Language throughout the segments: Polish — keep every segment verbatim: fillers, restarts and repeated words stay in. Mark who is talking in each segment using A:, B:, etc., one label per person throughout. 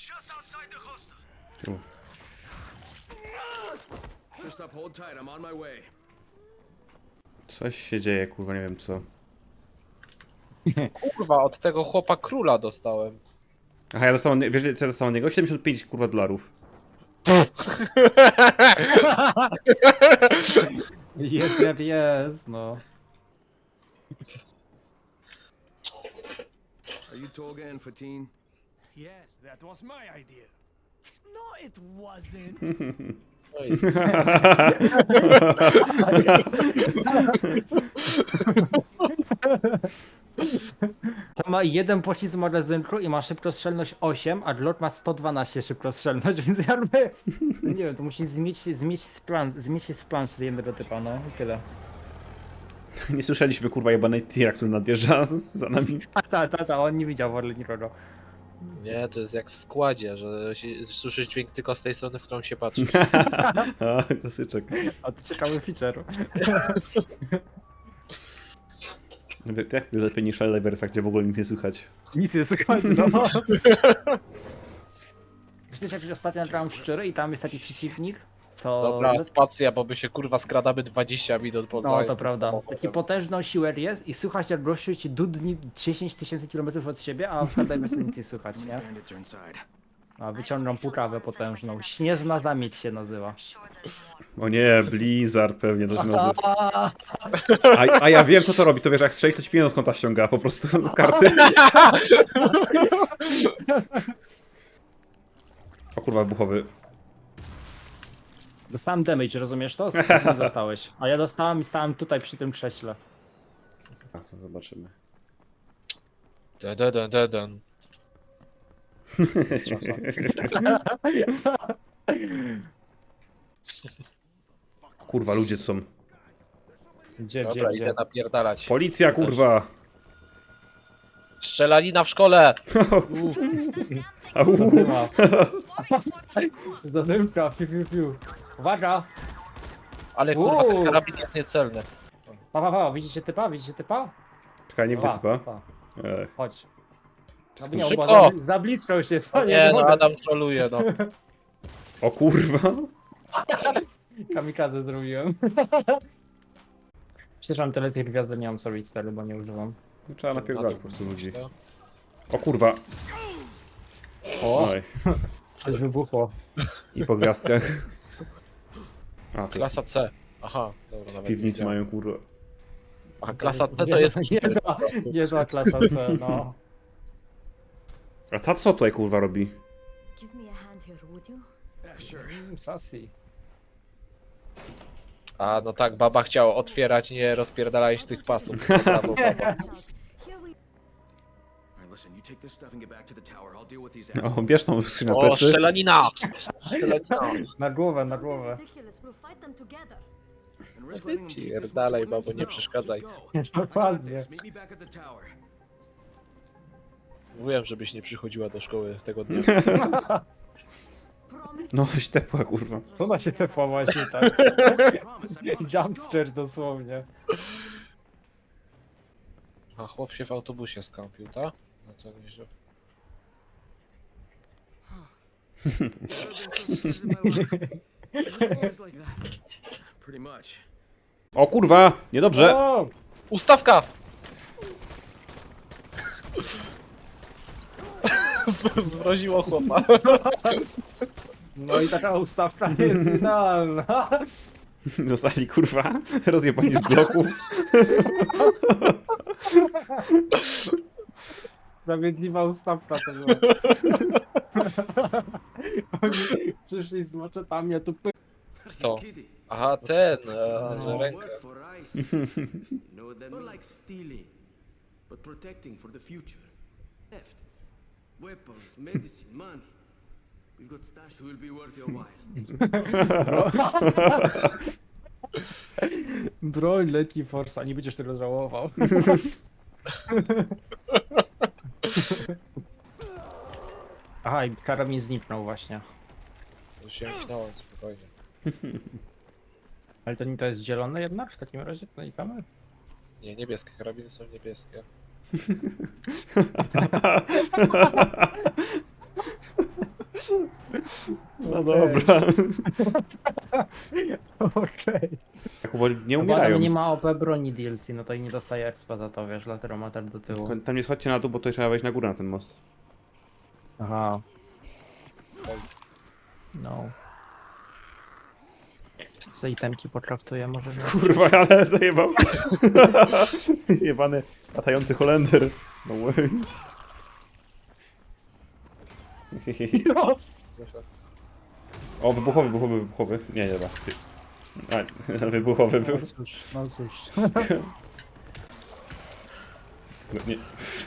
A: U.
B: Krzysztof, hold tight, I'm on my way.
A: Coś się dzieje, kurwa, nie wiem co.
C: Kurwa, od tego chłopa króla dostałem.
A: Aha, ja dostałem, wiesz, co ja dostałem od niego? siedemdziesiąt pięć, kurwa, dolarów.
D: Jest jak jest, no.
B: Are you Tolga Fatin?
E: Yes, that was my idea. No, it wasn't.
C: Oj,
D: To ma jeden pocisk z magazynku i ma szybkostrzelność osiem, a Glock ma sto dwanaście szybkostrzelność, więc jakby... Nie wiem, to musi zmieć, zmieć z plan, zmieć się z plansz z jednego typa, no i tyle.
A: Nie słyszeliśmy, kurwa, jebanej tira, który nadjeżdża z- za nami.
D: A ta, ta, ta, on nie widział w ogóle nikogo.
C: nie, to jest jak w składzie, że się, słyszysz dźwięk tylko z tej strony, w którą się patrzy.
A: A, klasyczek.
D: A to ciekawy feature.
A: Jak lepiej niż Eleversa, gdzie w ogóle nic nie słychać.
D: Nic nie słychać, no. Myślę, że jak ostatnio nagrałem szczery i tam jest taki przeciwnik, co...
C: Dobra, spacja, bo my się kurwa skradamy dwadzieścia minut po
D: No to prawda. Taki potężny siłer jest i słychać jak gościu ci dudni dziesięć tysięcy kilometrów od siebie, a w Helldivers nic nie słychać, nie?
B: Bandits are inside.
D: A wyciągam pukawę potężną. Śnieżna zamieć się nazywa.
A: O nie, Blizzard pewnie to się nazywa. A, a ja wiem, co to robi, to wiesz, jak strzelić, to ci pieniądze z konta ściąga, po prostu z karty. O kurwa, wybuchowy.
D: Dostałem damage, rozumiesz to? Co ty dostałeś? A ja dostałem i stałem tutaj przy tym krześle.
A: A, to zobaczymy.
C: Dun, dun, dun.
A: Kurwa, ludzie tu są.
D: Gdzie, gdzie,
C: Dobra,
D: gdzie?
C: idę napierdalać.
A: Policja, kurwa!
C: Strzelanina w szkole!
A: Au.
D: Zadymka. Zadymka, piu, piu, piu. Uwaga!
C: Ale kurwa,
D: Uuu.
C: ten karabin jest niecelny.
D: Pa, pa, pa, widzicie typa? Widzicie typa?
A: Czekaj, nie widzę
D: Pa,
A: typa.
D: pa.
A: Ech.
D: Chodź.
A: Wszystko-
D: Aby nie,
C: Szybko!
D: bo za, za blisko już jest. Co,
C: Nie, no
D: mogę.
C: Adam troluje, no.
A: O kurwa!
D: Kamikadze zrobiłem. Myślę, że mam tyle tych gwiazd, nie mam solid stary, bo nie używam.
A: No, trzeba napierdalać po prostu ludzi.
C: No.
A: O kurwa!
D: O,
A: Oj.
D: coś wybuchło.
A: I po gwiazdkach. A, to jest
C: Klasa C. Aha, dobra,
A: w
C: nawet
A: piwnicy
C: nie
A: mają kurwa.
C: A klasa C to
D: Niezła-
C: jest...
D: Niezła, niezła klasa C, no.
A: A ta co tutaj kurwa robi?
F: Give me a hand here, would you?
B: Yeah, sure.
D: Sassy.
C: A, no tak, baba chciała otwierać, nie rozpierdalać tych pasów. Brawo, baba.
F: Here we
B: Alright, listen, you take this stuff and get back to the tower. I'll deal with these
A: O,
B: assholes.
A: bierz tą skrzynię na
C: O,
A: plecy.
C: strzelanina! Strzelanina.
D: Na głowę, na głowę.
F: ridiculous. We'll fight them together.
B: And risk letting them keep this
C: Pierdalej,
B: much
C: babo,
B: ordnance?
C: nie
B: No,
C: przeszkadzaj.
B: just go. I got
D: Dokładnie.
B: this. Meet me back at the tower.
C: Mówiłem, żebyś nie przychodziła do szkoły tego dnia.
F: Promise.
A: No, się tepła kurwa.
D: Ona się tepła właśnie tak.
B: Promise, I promise. Just
D: Jumpster dosłownie.
C: A chłop się w autobusie skąpił, tak? No to nieźle.
B: go. Never been so scared in my life. Is it always like that? Pretty much.
A: O kurwa! Niedobrze!
D: O!
C: Ustawka! Z- Zmroziło chłopa.
D: No i taka ustawka nie jest idealna.
A: Zostali kurwa rozjebani z bloków.
D: Sprawiedliwa ustawka to była. Oni przyszli z maczetami, a tu py...
C: To.
B: Kitty.
C: Aha, ten, a, że
B: You
C: rękę.
B: work for ICE. You know what that means? Not like stealing, but protecting for the future. Theft, weapons, medicine, money. We've got stash that will be worth your while.
D: Broń leci Forsa, nie będziesz tego żałował. Aha, i karabin zniknął właśnie.
C: To się myślałem spokojnie.
D: Ale to nie to jest zielone jednak w takim razie? Nalikamy?
C: Nie, niebieskie, karabiny są niebieskie.
A: No dobra.
D: Okej.
A: Tak powoli nie
D: No bo
A: umierają.
D: Adam nie ma O P broni D L C, no to i nie dostaje expa za to, wiesz, dlatego ma tak do tyłu.
A: Tam nie schodźcie na dół, bo to trzeba wejść na górę na ten most.
D: Aha. No. Co itemki pokraftuję może nie?
A: Kurwa, ale zajebał. Jebany latający Holender. No way. O, wybuchowy, wybuchowy, wybuchowy. Nie, nie, dobra. A, wybuchowy był.
D: No cóż, no cóż.
A: Nie.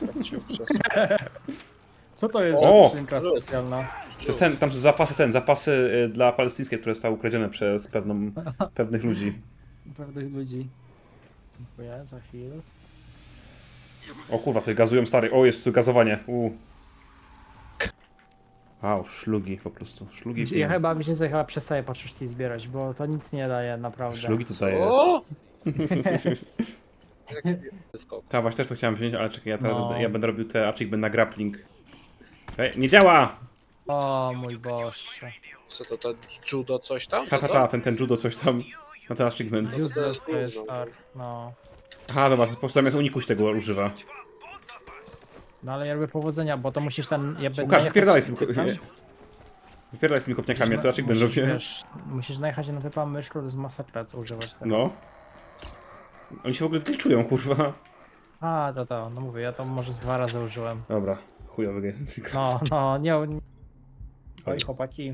D: Co to jest
A: O!
D: za skrzynka specjalna?
A: To jest ten, tam są zapasy, ten, zapasy y, dla palestyńskie, które zostały ukradzione przez pewną, pewnych ludzi.
D: Pewnych ludzi. Dziękuję, za chwilę.
A: O kurwa, tutaj gazują stary. O, jest tu gazowanie. U. Wow, szlugi po prostu. Szlugi.
D: Ja chyba mi się sobie chyba przestaje patrzeć i zbierać, bo to nic nie daje naprawdę.
A: Szlugi tutaj.
C: O! Skok.
A: Ta właśnie też to chciałem wziąć, ale czekaj, ja, teraz
D: No.
A: będę, ja będę robił te achievement na grappling. Ej, nie działa!
D: O mój Boże.
C: Co to, to judo coś tam?
A: Ta, ta, ta, ten, ten judo coś tam. Na ten achievement.
D: Useless to jest tak, no.
A: Aha, dobra, to po prostu zamiast unikuś tego używa.
D: No ale jakby powodzenia, bo to musisz tam... Jakby
A: Łukasz,
D: najechać-
A: wypierdalaj z tym...
D: tam-
A: Wypierdalaj z tymi kopniakami, ja to achievement
D: musisz,
A: robię.
D: wiesz, musisz najechać na typa myszką, to jest masakra, co używać tego.
A: No. Oni się w ogóle glitchują, kurwa.
D: A, to to, no mówię, ja to może z dwa razy użyłem.
A: Dobra, chujowy game.
D: No, no, nie... nie... Oj,
A: Oj.
D: chłopaki.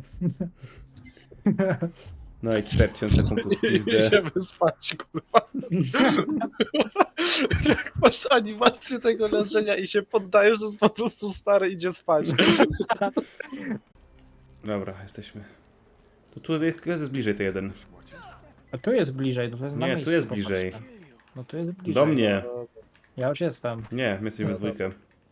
A: No i cztery tysiące punktów w pizdę.
C: Idziemy spać, kurwa. Jak masz animację tego leżenia i się poddajesz, to jest po prostu stary, idzie spać.
A: Dobra, jesteśmy. To tu jest, jest bliżej to jeden.
D: A tu jest bliżej, to jest na
A: Nie, tu
D: miejscu,
A: jest
D: popatrzcie.
A: bliżej.
D: No tu jest bliżej.
A: Do mnie.
D: Ja już jestem.
A: Nie, my jesteśmy we dwójkę.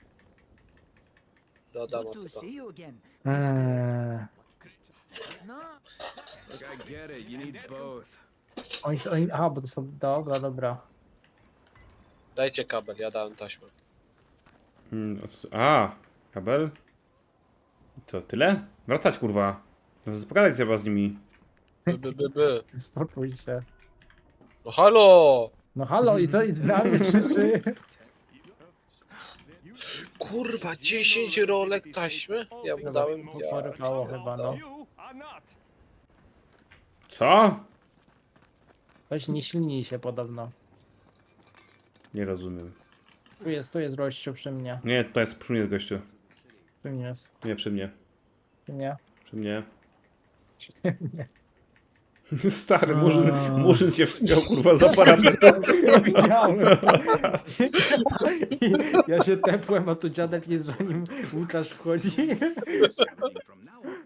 C: Dodam
E: Good
C: to.
E: to see you again.
D: Eee,
E: No,
B: Look, I get it. You need both.
D: oni, są- oni, aha, bo to są... Dobra, dobra.
C: Dajcie kabel, ja dałem taśmę.
A: Hmm, o co- A, kabel? Co, tyle? Wracać, kurwa. No, pogadać trzeba z nimi.
C: By, by, by, by.
D: Spokój się.
C: No halo!
D: No halo, i co? I na mnie krzyczy?
C: Kurwa, dziesięć rolek taśmy? Ja mu dałem... Ja...
D: Porypało chyba, no.
E: you are not.
A: Co?
D: Weź nie silnij się podobno.
A: Nie rozumiem.
D: Tu jest, tu jest gościu przy mnie.
A: Nie, to jest przy mnie, gościu.
D: Przy mnie jest.
A: Nie, przy mnie.
D: Przy mnie.
A: Przy mnie.
D: Nie.
A: Stary, murzyn,
D: A.
A: murzyn się wspiął, kurwa, za parapetem.
D: Ja widziałem. Ja się tepłem, a tu dziadek jest zanim Łukasz wchodzi.
B: From now on.